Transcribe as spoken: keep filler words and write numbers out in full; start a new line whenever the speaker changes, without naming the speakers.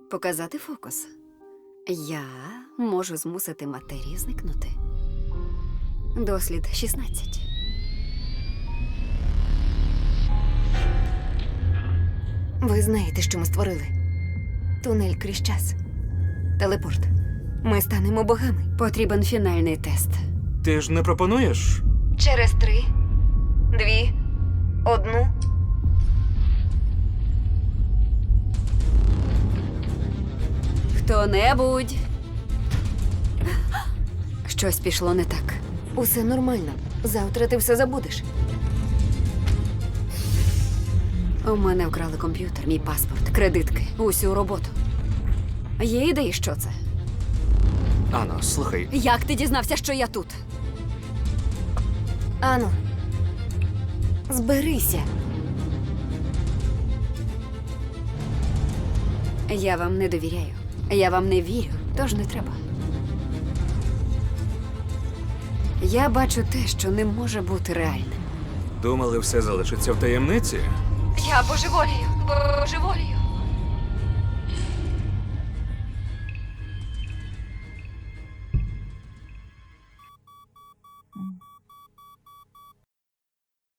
Показати фокус. Я можу змусити матерію зникнути. Дослід шістнадцять. Ви знаєте, що ми створили? Тунель крізь час. Телепорт. Ми станемо богами. Потрібен фінальний тест.
Ти ж не пропонуєш?
Через три, дві, одну. Хто-небудь. Щось пішло не так. Усе нормально. Завтра ти все забудеш. У мене вкрали комп'ютер, мій паспорт, кредитки, усю роботу. Є ідеї, що це?
Ано, слухай,
Як ти дізнався, що я тут? Ану, зберися. Я вам не довіряю. Я вам не вірю, тож не треба. Я бачу те, що не може бути реальним.
думали, все залишиться в таємниці?
Я божеволію, божеволію.